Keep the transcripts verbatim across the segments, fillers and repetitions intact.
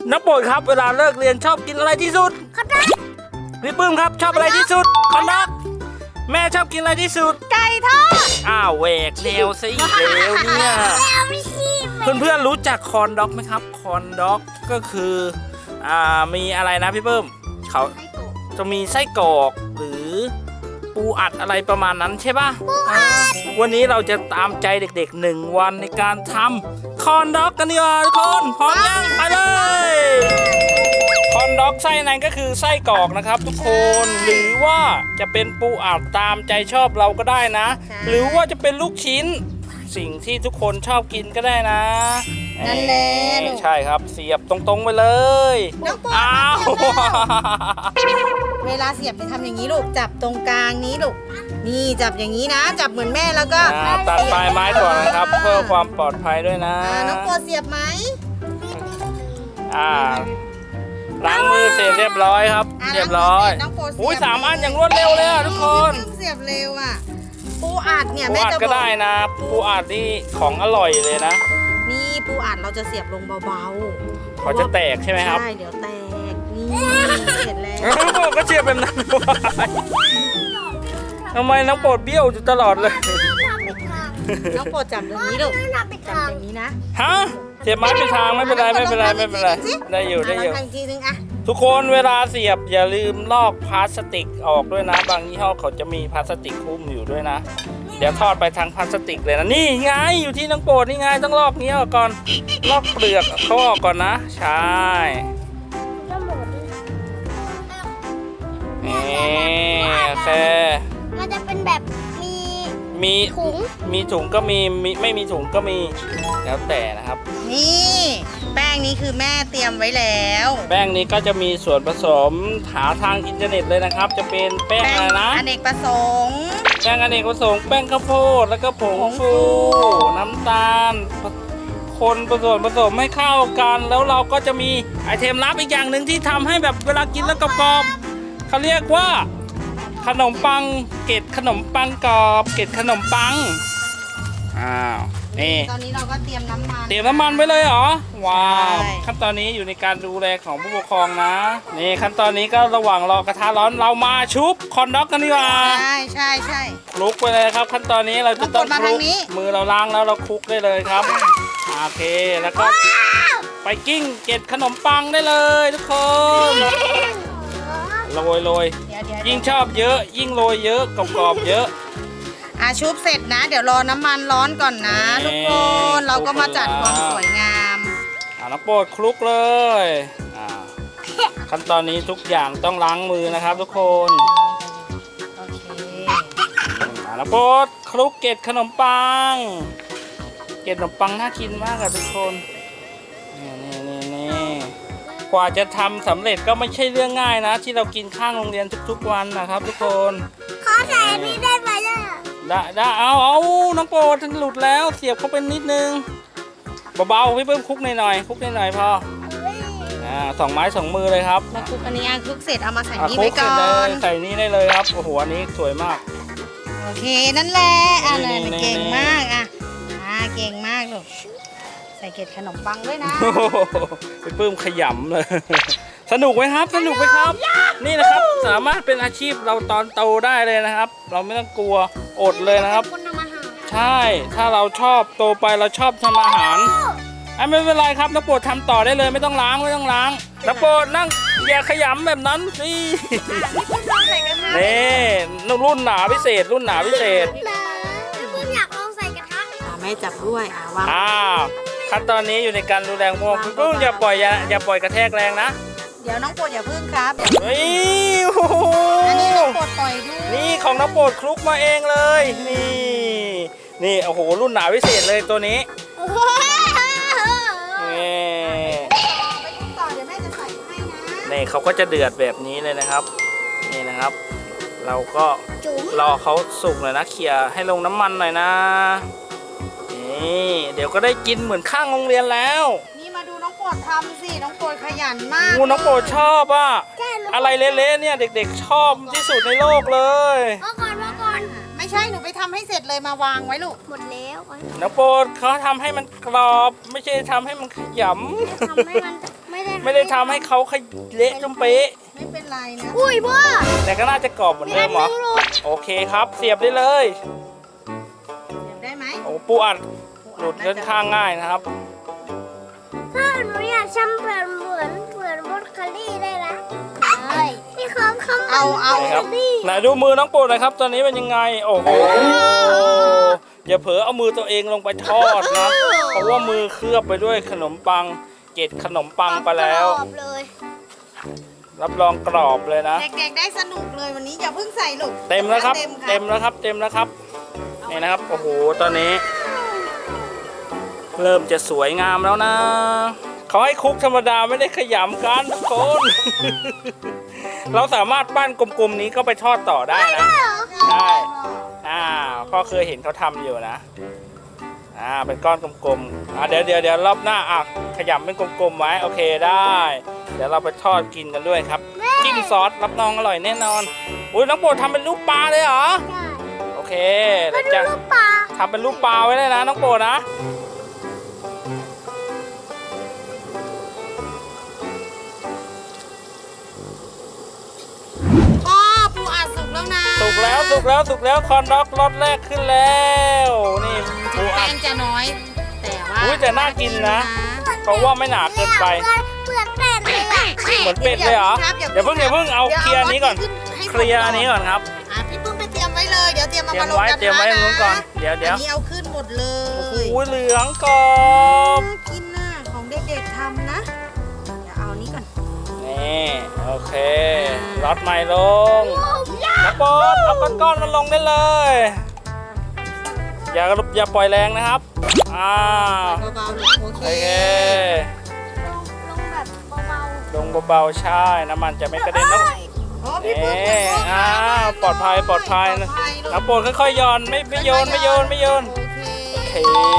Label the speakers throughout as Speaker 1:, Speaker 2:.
Speaker 1: น้ำโปรดครับเวลาเลิกเรียนชอบกินอะไรที่สุดคอนดักพี่ปื้มครับชอบอะไรที่สุดคอนดักแม่ชอบกินอะไรที่สุด
Speaker 2: ไก่ทอด
Speaker 1: อ้าวแหวกแนวซะอีกแล้วเนี่ยเพื่อนๆรู้จักคอนด็อกไหมครับคอนด็อกก็คืออ่ามีอะไรนะพี่ปื้มเขาจะมีไส้กรอกหรือปูอัดอะไรประมาณนั้นใช่ป่ะวันนี้เราจะตามใจเด็กๆหนึ่งวันในการทำคอนด็อกกันดีกว่าทุกคนพร้อมยังไปเลยคอนด็อกไส้นั้นก็คือไส้กรอกนะครับทุกคนหรือว่าจะเป็นปูอัดตามใจชอบเราก็ได้นะหรือว่าจะเป็นลูกชิ้นสิ่งที่ทุกคนชอบกินก็ได้นะ
Speaker 2: นั่นแหละ
Speaker 1: ใช่ครับเสียบตรงๆไปเลยอ้าว
Speaker 2: เวลาเสียบจะทำอย่างนี้ลูกจับตรงกลางนี้ลูกนี่จับอย่างนี้นะจับเหมือนแม่แล้วก็
Speaker 1: ตัดปลายไม้ก่อนนะครับเพื่อความปลอดภัยด้วยนะ
Speaker 2: น้องโปรดเสียบไหม
Speaker 1: อ่าล้างมือเสร็จเรียบร้อยครับเรียบร้อยอุ้ยสามอันอย่างรวดเร็วเลยอ่ะทุกคน
Speaker 2: เสียบเร็วอ่ะปูอัดเนี่ย
Speaker 1: แม่จะบอกก็ได้นะปูอัดนี่ของอร่อยเลยนะ
Speaker 2: นี่ปูอัดเราจะเสียบลงเบาๆ
Speaker 1: เขาจะแตกใช่ไหมครับ
Speaker 2: ใช่เดี๋ยวแตกนี่เสร็จแล้ว
Speaker 1: ก็เสียบแบบนั้นทำไมน้องโปรดเบี้ยวอยู่ตลอดเลย
Speaker 2: น้องโปรดจับตรงนี้ลูกจับอย่างนี้นะ
Speaker 1: ฮะเสียบไม้เป็นทางไม่เป็นไรไม่เป็นไรไม่เป็นไรได้อยู่ได้อยู่ทุกคนเวลาเสียบอย่าลืมลอกพลาสติกออกด้วยนะบางยี่ห้อเขาจะมีพลาสติกหุ้มอยู่ด้วยนะเดี๋ยวทอดไปทางพลาสติกเลยนะนี่ไงอยู่ที่น้องโปรดนี่ไงต้องลอกนี้ออกก่อนลอกเปลือกเขาออกก่อนนะใช่นี่โอเค
Speaker 3: มันจะเป็นแบบมี
Speaker 1: มี
Speaker 3: ถุง
Speaker 1: มีถุงก็มีมีไม่มีถุงก็มีแล้วแต่นะครับ
Speaker 2: นี่แป้งนี้คือแม่เตรียมไว้แล้ว
Speaker 1: แป้งนี้ก็จะมีส่วนผสมหาทางอินเทอร์เน็ตเลยนะครับจะเป็นแป้งอะไรนะ
Speaker 2: อเนกประสงค์
Speaker 1: แป้งอเนกประสงค์แป้งข้าวโพดแล้วก็ผงฟูน้ำตาลคนผสมผสมให้เข้ากันแล้วเราก็จะมีไอเทมลับอีกอย่างหนึ่งที่ทำให้แบบเวลากินแล้วกรอบๆเขาเรียกว่าขนมปังเกล็ดขนมปังกรอบเกล็ดขนมปังอ้าวนี่
Speaker 2: ตอนนี้เราก็เตรียมน้ำมัน
Speaker 1: เตรียมน้ำมันไว้เลยเหรอว้าวขั้นตอนนี้อยู่ในการดูแลของผู้ปกครองนะนี่ขั้นตอนนี้ก็ระหว่างรอกระทะร้อนเรามาชุบคอนด็อกกันดีกว่า
Speaker 2: ใช่ใช่ใช่
Speaker 1: คลุกไปเลยครับขั้นตอนนี้เราจะต้องคลุกมือเราล้างแล้วเราคลุกได้เลยครับโอเคแล้วก็ไปกิ้งเกล็ดขนมปังได้เลยทุกคนโรยโรยยิ่งชอบเยอะยิ่งโรยเยอะกรอบๆเยอะ
Speaker 2: อ่ะชุบเสร็จนะเดี๋ยวรอน้ำมันร้อนก่อนนะทุกคนเราก็มาจัดความสวยงาม
Speaker 1: อ่ะน้ำโปรดคลุกเลยอ่าขั้นตอนนี้ทุกอย่างต้องล้างมือนะครับทุกคน
Speaker 2: โอเค
Speaker 1: อ่ะน้ำโปรดคลุกเกล็ดขนมปังเกล็ดขนมปังน่ากินมากอะทุกคนนี่นี่นี่นี่กว่าจะทำสำเร็จก็ไม่ใช่เรื่องง่ายนะที่เรากินข้างโรงเรียนทุกๆวันนะครับทุกคน
Speaker 3: ขอใส่อันนี้ได้ไหมล่ะ
Speaker 1: ได้ได้เอาเอาน้องโปรดหลุดแล้วเสียบเข้าไปนิดนึงเบาๆพี่เพิ่มคลุกหน่อยๆคลุกหน่อยๆพออ่าสองไม้สองมือเลยครับ
Speaker 2: มาคลุกอันนี้อ่ะคลุกเสร็จเอามาใส่นี่ไว้ก่อน
Speaker 1: ใส่นี่ได้เลยครับโอ้โหอันนี้สวยมาก
Speaker 2: โอเคนั่นแหละอ่ะเลยเก่งมากอ่ะอ่าเก่งมากลูกใส่เกล็ดขนมปังด้วยนะ
Speaker 1: พี่เพิ่มขยำเลยสนุกไหมครับสนุกไหมครับนี่นะครับสามารถเป็นอาชีพเราตอนโตได้เลยนะครับเราไม่ต้องกลัวอดเลยนะครับใช่ถ้าเราชอบโตไปเราชอบทำอาหารไม่เป็นไรครับน้ำโปรดทำต่อได้เลยไม่ต้องล้างไม่ต้องล้างน้ำโปรดนั่งอย่าขยำแบบนั้นนี่นี่รุ่นหนาพิเศษรุ่นหนาพิเศษ
Speaker 3: คุณอยากลองใส่กระทะ
Speaker 2: แม่จับด้วยอ่ะวาง
Speaker 1: อ้าวขั้นตอนนี้อยู่ในการดูแลพวกคุณพึ่งอย่าปล่อยอย่าอย่าปล่อยกระแทกแรงนะ
Speaker 2: เดี๋ยวน้องโปรดอย่าพึ่งครับ
Speaker 1: เฮ้ย
Speaker 2: อันนี้น้องโปรดปล่อยด้วย
Speaker 1: นี่ของน้องโปรดคลุกมาเองเลยนี่นี่โอ้โหรุ่นหนาพิเศษเลยตัวนี้นี่เขาก็จะเดือดแบบนี้เลยนะครับนี่นะครับเราก็รอเขาสุกหน่อยนะเขี่ยให้ลงน้ำมันหน่อยนะนี่เดี๋ยวก็ได้กินเหมือนข้างโรงเรียนแล้ว
Speaker 2: นี่มาดูน้องโปรดทำสิน้องโปรดขยันมาก
Speaker 1: งูน้องโปรดชอบอ่ะอะไรเละๆเนี่ยเด็กๆชอบที่สุดในโลกเลย
Speaker 3: มาก่อนมาก่อน
Speaker 2: ไม่ใช่หนูไปทำให้เสร็จเลยมาวางไว้ลูก
Speaker 3: หมดแล้ว
Speaker 1: น้องโปรดเขาทำให้มันกรอบไม่ใช่ทำให้มันขย
Speaker 3: ำทำให้มันไม่ได้ท
Speaker 1: ไม่ได้ทำให้เขาขยเละจนเป๊ะ
Speaker 2: ไม่เป็นไรนะ
Speaker 3: อุ้ยพ่อ
Speaker 1: แต่ก็น่าจะกรอบเหมือนเดิมเหรอ
Speaker 3: ลูก
Speaker 1: โอเคครับ เสียบได้เลย
Speaker 2: ได้ไหม
Speaker 1: โอ้ปูอัดหลุดค่อนข้างง่ายนะครับ
Speaker 3: ถ้าหนูอยากทำแบบเหมือนเหมือนบรอกโคลี่ได้นะพี่เขาคำ
Speaker 2: เอาเอา
Speaker 1: นี่ครับไหนดูมือน้องปูหน่อยครับ ตอนนี้เป็นยังไง โอ้โห อย่าเผลอเอามือตัวเองลงไปทอดนะ เพราะว่ามือเคลือบไปด้วยขนมปัง เกล็ดขนมปังไปแล้ว
Speaker 3: กรอบเลย
Speaker 1: รับรองกรอบเลยนะ
Speaker 2: เด็กๆได้สนุกเลยวันนี้อย่าเพิ่งใส่ลูก
Speaker 1: เต็มแล้วครับ
Speaker 2: เต็
Speaker 1: เต็
Speaker 2: ม
Speaker 1: ม
Speaker 2: ค่ะ
Speaker 1: แล้วครับ เต็มแล้วครับ นี่นะครับ โอ้โห ตอนนี้ เริ่มจะสวยงามแล้วนะ เขาให้คลุกธรรมดาไม่ได้ขยำกันทุกคน เราสามารถปั้นกลมๆนี้ก็ไปทอดต่อได้นะ ได้อ่าพ่อเคยเห็นเขาทำอยู่นะ อ่า เป็นก้อนกลมๆ อ่าเดี๋ยวเดี๋ยวเดี๋ยวรอบหน้าอ่ะขยำเป็นกลมๆไว้ โอเคได้ เดี๋ยวเราไปทอดกินกันด้วยครับ จิ้มซอสรับรองอร่อยแน่นอน อุ้ยน้องโปรดทำเป็นรูปปลาเลยเหรอ โอเค
Speaker 3: มา
Speaker 1: เดี๋ยว
Speaker 3: ดู
Speaker 1: จะ
Speaker 3: ลูกปลา
Speaker 1: ทำเป็นรูปปลาไว้เลยนะน้องโปรดนะ
Speaker 2: พ่อปูอัดสุกแล้วนะ
Speaker 1: สุกแล้วสุกแล้วสุกแล้วคอนด็อกรสแรกขึ้นแล้ว นี่ปูอั
Speaker 2: แป้
Speaker 1: ด
Speaker 2: งจะน้อย แต่ว่า
Speaker 1: อุ๊ยแต่น่ากินนะ เพราะว่าไม่หนาเกินไป
Speaker 3: เปลือกเป็ดเลยอะ
Speaker 1: เหมือนเป็ดเลยเหรออย่าเพิ่งอย่าเพิ่งเอาเคลียร์อันนี้ก่อน เคลียร์อันนี้ก่อนครับ
Speaker 2: อ่ะพี่ปุ้มไปเตรียมไว้เลย เดี๋ยวเตรียมมา
Speaker 1: เตรีย
Speaker 2: มาม ลง
Speaker 1: ไว้
Speaker 2: กระทะ
Speaker 1: เตรียมไว้ตรงนู้นก่อน เดี๋ยวเดี๋ยว
Speaker 2: อันนี้เอาขึ้นหมดเลย
Speaker 1: โอ้ยเหลืองกรอบ
Speaker 2: น่ากินน่ะของเด็กๆทำนะ เดี๋ยวเอานี้ก่อน
Speaker 1: นี่โอเครสใหม่ลงน้ำปดเอาก้อนๆมันลงได้เลย อย่าอย่าปล่อยแรงนะครับอ่า
Speaker 2: เบาๆลูกโอเค
Speaker 1: โอเค
Speaker 3: ลงแบบเบา
Speaker 1: ลงเบาๆใช่น้ำมันจะไม่กระเด็นนะ
Speaker 2: โอ้พี่ปุ้ม
Speaker 1: เอ๊ะอ้าวปลอดภัยปลอดภัยนะน้ำปดค่อยๆหย่อนไม่ไม่โยนไม่โยนไม่โยน
Speaker 2: โอเค
Speaker 1: โอเค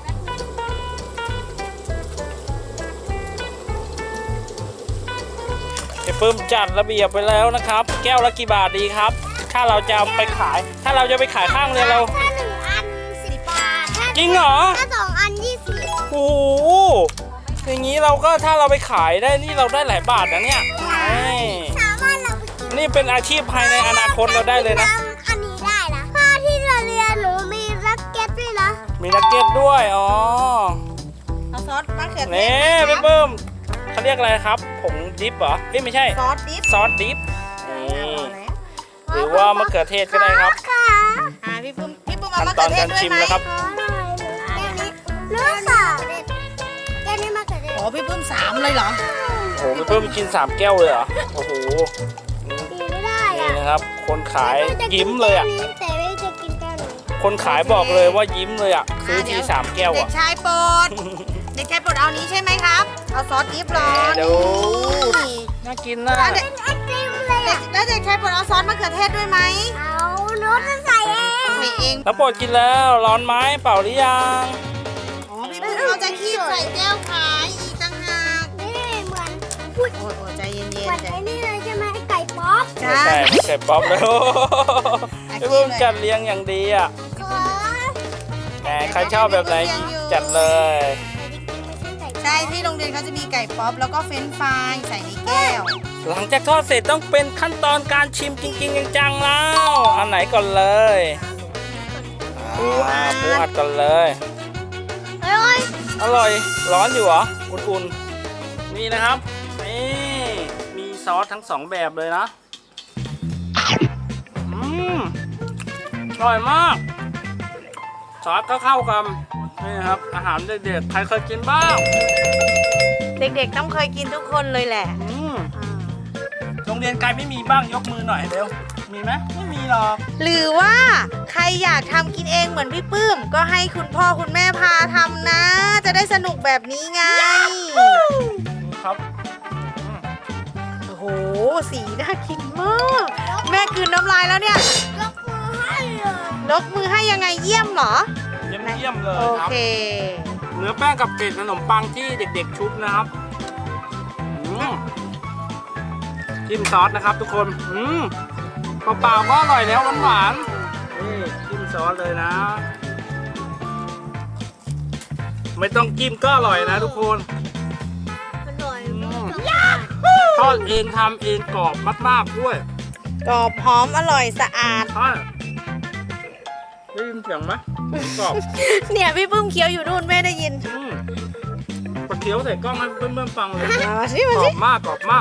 Speaker 1: พี่ปื้มจัดระเบียบไปแล้วนะครับ แก้วละกี่บาทดีครับ ถ้าเราจะเอาไปขาย ถ้าเราจะไปขายข้างเรือเรา
Speaker 3: ๆถ้าหนึ่งอันสิบบาทถ้า
Speaker 1: จริงเหรอ
Speaker 3: ถ้าสองอันยี่สิบ
Speaker 1: โอ้โหอย่างนี้เราก็ถ้าเราไปขายได้นี่เราได้หลายบาทนะเนี่ยนี่
Speaker 3: สามารถเราไปกิน
Speaker 1: นี่เป็นอาชีพภายในอนาคตเราได้เลยนะ
Speaker 3: อันนี้ได้นะพ่อที่เราเรียนหนูมีรักเก็ตด้วยนะ
Speaker 1: มีนักเก็ตด้วยอ๋อ
Speaker 2: เอาซอสมะเขือเท
Speaker 1: นี่
Speaker 2: ศ
Speaker 1: พี่
Speaker 2: นะ
Speaker 1: เบิ้มเขาเรียกอะไรครับผงดิฟเหรอเอ้ยไม่ใช่
Speaker 2: ซอสดิฟ
Speaker 1: ซอสดิฟนี่
Speaker 2: เอาแล้ว
Speaker 1: หรือว่ามะเขือเทศก็ได้ครับ
Speaker 3: ค่ะ
Speaker 2: อ่าพี่ปุ้มพี่ปุ้มเอา
Speaker 1: ขั้น
Speaker 2: มะ
Speaker 1: ต
Speaker 2: เขื
Speaker 1: อ
Speaker 2: อน เทศ
Speaker 1: การ
Speaker 2: ด้วย
Speaker 1: ชิม
Speaker 2: ไหม
Speaker 1: แล้วครับ
Speaker 3: ขอหน่อยแก้วนี้เลือกค่ะแก้วนี้มาเกิดได้
Speaker 2: โอ้พี่ปุ้มสามเลยเหรอ
Speaker 1: โอ้โหพี่เบิ้มกินสามแก้วเลยเหรอโอ้โห
Speaker 3: ดีไม่ได้
Speaker 1: นี่
Speaker 3: อะ
Speaker 1: นะครับ คนขายยิ้มเลยอ่ะ
Speaker 3: แต่ไม่จะกินแก้วนี้
Speaker 1: คนขายบอกเลยว่ายิ้มเลยอ่ะซื้อทีสามแก้ว
Speaker 2: เด็
Speaker 1: อ่ะ
Speaker 2: กชายโปรดเด็กชายโปรดเอานี้ใช่ไหมครับ เอาซอสดิฟร้อน
Speaker 1: เดี๋ยวน่ากินนะ
Speaker 2: แล้วเด็ก
Speaker 3: ไอติมเลย
Speaker 2: เด็
Speaker 3: อะ
Speaker 2: กแล้วเด็กชายโปรดเอาซอสมะเขือเทศด้วยไหม
Speaker 3: เอาโน้ตจะใส่เอง
Speaker 2: ใส่เอง
Speaker 1: แล้วโปรดกินแล้วร้อนไหมเปล่าหรือยัง
Speaker 2: อ๋อพี่ปุ้มเอาจะคีบใส่แก้วขายอีกต่างหาก
Speaker 3: นี่เหมือนพูด
Speaker 2: โอ้ยโอ้ยใจเย็น
Speaker 3: เหมือน
Speaker 2: ๆใจ
Speaker 3: ไอ้นี่เลยใช่ไหมไอ้ไก่ป๊อป
Speaker 2: จ้า
Speaker 1: ไม่ใช่ไม่ใช่ป๊อปเลยโอ้โห
Speaker 2: อ่ะ
Speaker 1: พี่เบิ้ม
Speaker 2: กินเลย
Speaker 1: จัดเลี้ยงอย่างดีอ่ะ
Speaker 3: ขอ
Speaker 1: แหมใครชอบแบบไหนจัดเลย
Speaker 3: ไม่ใช่ไก่
Speaker 2: ใช่ที่โรงเรียนเขาจะมีไก่ป๊อปแล้วก็เฟรนช์ฟรายใส่ในแก้ว
Speaker 1: หลังจากทอดเสร็จต้องเป็นขั้นตอนการชิมจริงๆจังๆแล้วอันไหนก่อนเลยอ่าปูอัดก่อนเลย
Speaker 3: เฮ้ย
Speaker 1: อร่อยร้อนอยู่เหรออุ่นๆนี่นะครับนี่มีซอสทั้งสองแบบเลยนะอืมอร่อยมากซอสก็เข้ากันนี่ครับอาหารเด็กๆใครเคยกินบ้าง
Speaker 2: เด็กๆต้องเคยกินทุกคนเลยแหละ
Speaker 1: อืมโรงเรียนไกลไม่มีบ้างยกมือหน่อยเร็วมีไหมไม่มีหรอก
Speaker 2: หรือว่าใครอยากทำกินเองเหมือนพี่ปื้ม ก็ให้คุณพ่อคุณแม่พาทำนะ จะได้สนุกแบบนี้ไง
Speaker 1: ครับ
Speaker 2: โอ้โห สีน่ากินมาก แม่กลืนน้ำลายแล้วเนี่ย
Speaker 3: ยกมือให้เลย
Speaker 2: ลกมือให้ยังไงเยี่ยมเหรอ
Speaker 1: เยี่ยมเยี่ยมๆเลย
Speaker 2: โอ
Speaker 1: ครับ
Speaker 2: เค
Speaker 1: เนื้อแป้งกับเกล็ดขนมปังที่เด็กๆชุบนะครับอืมจิ้มซอสนะครับทุกคน อืมเปล่าๆก็อร่อยแล้วหวานๆนี่จิ้มซอสเลยนะ ไม่ต้องจิ้มก็อร่อยนะทุกคน
Speaker 3: อร่อย
Speaker 1: อืมทอดเองทำเองกรอบมากๆด้วย
Speaker 2: กรอบหอมอร่อยสะอาด
Speaker 1: ใช่ได้ยินเสียงไหมกรอบ
Speaker 2: เนี่ยพี่ปุ้มเคี้ยวอยู่นู่นแม่ได้ยิน
Speaker 1: อืมปลาเคี้ยวใส่กล้องให้เพื่อนๆฟังเลย
Speaker 2: มาสิ
Speaker 1: ก
Speaker 2: มาร
Speaker 1: อ
Speaker 2: สิ
Speaker 1: บมากกรอบมาก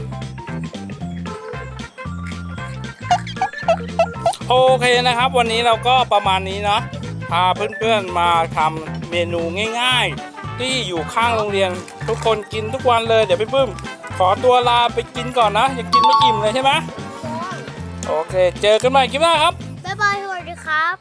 Speaker 1: โอเคนะครับ วันนี้เราก็ประมาณนี้เนาะพาเพื่อนๆมาทำเมนูง่ายๆ ที่อยู่ข้างโรงเรียนทุกคนกินทุกวันเลยเดี๋ยวพี่ปื้มขอตัวลาไปกินก่อนนะยังกินไม่อิ่มเลยใช่ไหมโอเค เจอกันใหม่คลิปหน้าครับ
Speaker 3: บ๊ายบายสวัสดีครับ